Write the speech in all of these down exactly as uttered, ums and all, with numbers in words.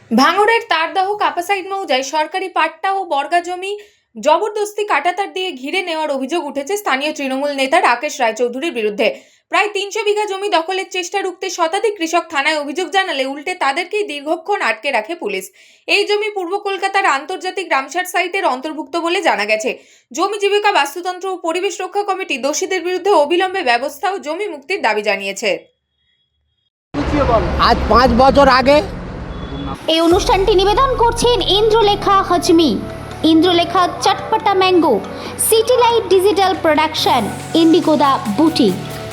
ভাঙড়ের তারদাহ কাপাসাইড মৌজায় সরকারি পাট্টা ও বর্গা জমি জবরদস্তি কাঁটাতার দিয়ে ঘিরে নেওয়ার অভিযোগ উঠেছে স্থানীয় তৃণমূল নেতা রাকেশ রায়চৌধুরীর বিরুদ্ধে। প্রায় তিনশো বিঘা জমি দখলের চেষ্টা রুখতে শতাধিক কৃষক থানায় অভিযোগ জানালে উল্টে তাদেরকেই দীর্ঘক্ষণ আটকে রাখে পুলিশ। এই জমি পূর্ব কলকাতার আন্তর্জাতিক রামসার সাইটের অন্তর্ভুক্ত বলে জানা গেছে। জমি জীবিকা বাস্তুতন্ত্র ও পরিবেশ রক্ষা কমিটি দোষীদের বিরুদ্ধে অবিলম্বে ব্যবস্থা ও জমি মুক্তির দাবি জানিয়েছে। আজ পাঁচ বছর আগে এই অনুষ্ঠানটি নিবেদন করছেন Indralekha Hajmi, Indralekha Chatpata mango, city light digital production, ইন্ডিগোদা বুটিক।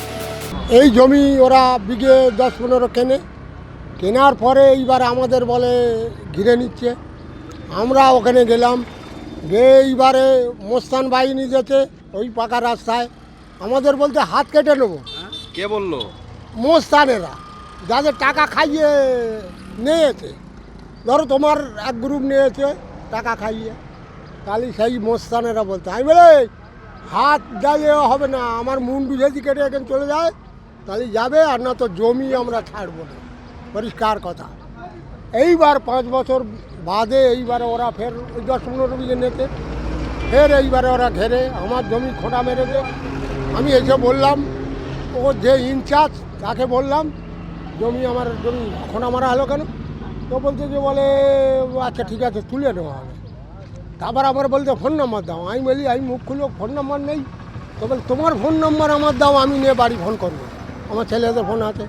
এই জমি ওরা বিঘে দশ পনেরো কেনে কেনার পরে এইবার আমাদের বলে ঘিরে নিচ্ছে। আমরা ওখানে গেলাম, গিয়ে এইবারে মোস্তান বাহিনী যেতে ওই পাকা রাস্তায় আমাদের বলতে হাত কেটে নেবো। কে বললো? মোস্তানেরা যাদের টাকা খাইয়ে নিয়েছে, ধরো তোমার এক গ্রুপ নিয়েছে টাকা খাইয়ে, তাহলে সেই মোস্তানেরা বলতে আমি বলে হাত জ্বালিয়ে হবে না, আমার মুন্ডু যদি কেটে এখানে চলে যায় তাহলে যাবে, আর না তো জমি আমরা ছাড়বো না, পরিষ্কার কথা। এইবার পাঁচ বছর বাদে এইবারে ওরা ফের ওই দশ পনেরো বিঘে নিতে, ফের এইবারে ওরা ঘেরে আমার জমি খোঁটা মেরেছে। আমি এসে বললাম, ও যে ইনচার্জ তাকে বললাম জমি আমার জমি খোঁটা মারা হলো কেন? তো বলছে যে বলে আচ্ছা ঠিক আছে তুলে নেওয়া হবে। তারপর আবার বলতে ফোন নম্বর দাও। আমি বলি আমি মুখ খুলো, ফোন নম্বর নেই। তো বলে তোমার ফোন নম্বর আমার দাও, আমি নিয়ে বাড়ি ফোন করবো, আমার ছেলেদের ফোন আছে।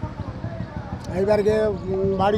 এইবার গিয়ে বাড়ি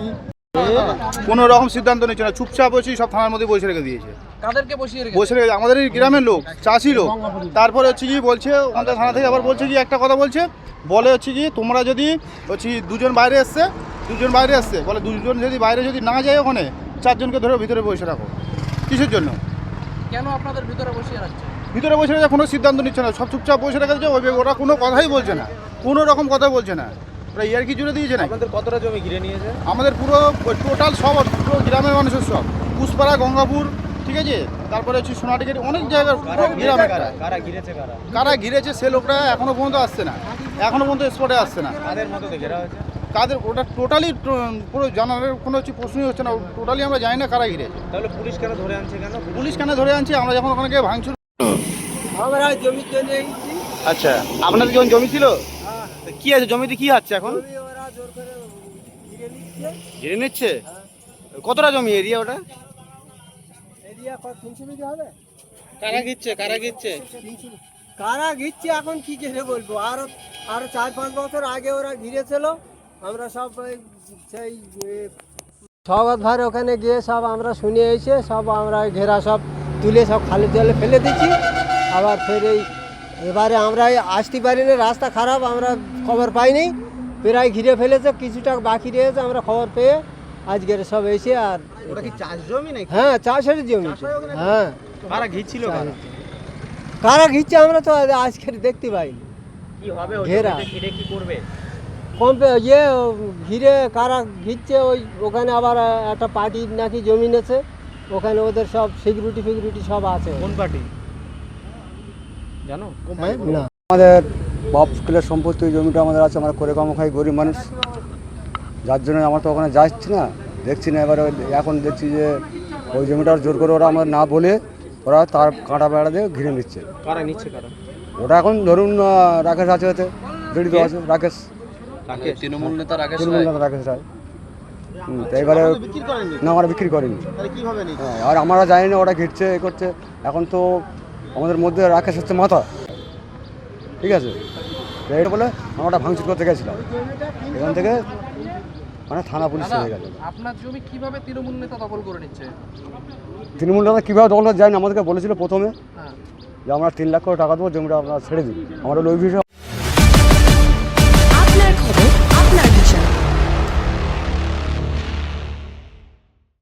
কোনো রকম সিদ্ধান্ত নিচ্ছে না, চুপচাপ বসে সব থানার মধ্যে বসে রেখে দিয়েছে। কাদেরকে বসিয়ে রেখেছে? বসে রেখে আমাদের এই গ্রামের লোক, চাষি লোক। তারপরে হচ্ছে কি বলছে আমাদের থানা থেকে, আবার বলছে কি একটা কথা বলছে, বলে হচ্ছে কি তোমরা যদি হচ্ছে দুজন বাইরে এসছে, দুজন বাইরে এসছে বলে দুজন যদি বাইরে যদি না যায় ওখানে চারজনকে ধরে ভিতরে বসে রাখো। কিসের জন্য? কেন আপনাদের ভিতরে বসিয়ে রাখছে? ভিতরে বসে রেখে কোনো সিদ্ধান্ত নিচ্ছে না, সব চুপচাপ বসে রেখে দিচ্ছে। ওই ওরা কোনো কথাই বলছে না, কোনো রকম কথা বলছে না, ওরা ইয়ার কি জুড়ে দিয়েছে না। আপনাদের কতটা জমি ঘিরে নিয়েছে? আমাদের পুরো টোটাল সব পুরো গ্রামের মানুষের সব, পুষ্পাড়া, গঙ্গাপুর, ঠিক আছে, তারপরে হচ্ছে সোনাটিকের অনেক জায়গার গ্রামে। কারা ঘিরেছে? কারা কারা ঘিরেছে সে লোকরা এখনো পর্যন্ত আসছে না, এখনো পর্যন্ত স্পটে আসছে না। কাদের মতো ঘেরা হয়েছে? কাদের ওটা টোটালি পুরো জানার কোনো হচ্ছে প্রশ্নই হচ্ছে না, টোটালি আমরা জানি না কারা ঘিরেছে। তাহলে পুলিশ কেন ধরে আনছে? কেন পুলিশ কেন ধরে আনছে? আমরা যখন ওখানে গিয়ে ভাঙচুর। আমরা জমি চলে এসেছি। আচ্ছা, আপনাদের যখন জমি ছিল কি আছে জমিতে, কি আছে এখন? ওরা জোর করে ঘিরে নিচ্ছে। ঘিরে নিচ্ছে? কতটা জমি এরিয়া ওটা? এরিয়া কত তিনশো বিঘা হবে? কারা ঘিরছে? কারা ঘিরছে? কারা ঘিরছে এখন কি করে বলবো। আরো আরো চার পাঁচ বছর আগে ওরা ঘিরেছিল। আমরা সব ওই সেই সবাদ ভাই ওখানে গিয়ে সব আমরা শুনে এসে সব আমরা ঘেরা সব তুলে সব খালি জলে ফেলে দিচ্ছি। আবার ফের এই এবারে আমরা আসতে পারিনি, রাস্তা খারাপ, আমরা খবর পাইনি, প্রায় ঘিরে ফেলেছে, কিছুটা বাকি রয়েছে, আমরা খবর পেয়ে আজকের সব এসে। আর ওটা কি চাষ জমি নাকি? হ্যাঁ চাষের জমি। হ্যাঁ কারা ঘিরছিল? কারা কারা ঘিরছে আমরা তো আজকের দেখতে পাইনি। কি হবে ঘেরা ঘিরে কি করবে? কম ইয়ে ঘিরে কারা ঘিরছে, ওই ওখানে আবার একটা পার্টির নাকি জমি নেছে, ওখানে ওদের সব সিকিউরিটি ফিকিউরিটি সব আছে। কোন পার্টি জানো? হ্যাঁ? না আমাদের বাপ স্কুলের সম্পত্তি ওই জমিটা আমাদের আছে, আমরা করে কম খাই, গরিব মানুষ, যার জন্য আমরা তো ওখানে যাচ্ছি না, দেখছি না। এবারে এখন দেখছি যে ওই জমিটার জোর করে ওরা আমাদের না বলে ওরা তার কাঁটা বেড়া দিয়ে ঘিরে নিচ্ছে। কারা নিচ্ছে? কারা? ওটা এখন ধরুন রাকেশ আছে, ওতে জড়িত আছে, রাকেশ, তৃণমূল নেতা রাকেশ তৃণমূল নেতা রাকেশ রায়। হুম, তো এবারে না আমরা বিক্রি করিনি। হ্যাঁ, আর আমরা জানি না ওরা ঘিরছে এ করছে। এখন তো আমাদের মধ্যে রাকেশ হচ্ছে মাথা, ঠিক আছে, এইটা বলে আমরা ওটা ভাঙচুর করতে গেছিলাম, এখান থেকে মানে থানা পুলিশ হয়ে গেল। আপনার জমি কিভাবে তৃণমূল নেতা দখল করে নিচ্ছে? তৃণমূল নেতা কীভাবে দখল করে যায়নি, আমাদেরকে বলেছিল প্রথমে হ্যাঁ, যে আমরা তিন লাখ করে টাকা দেবো, জমিটা আপনারা ছেড়ে দিন। আমরা ওই বিষয়ে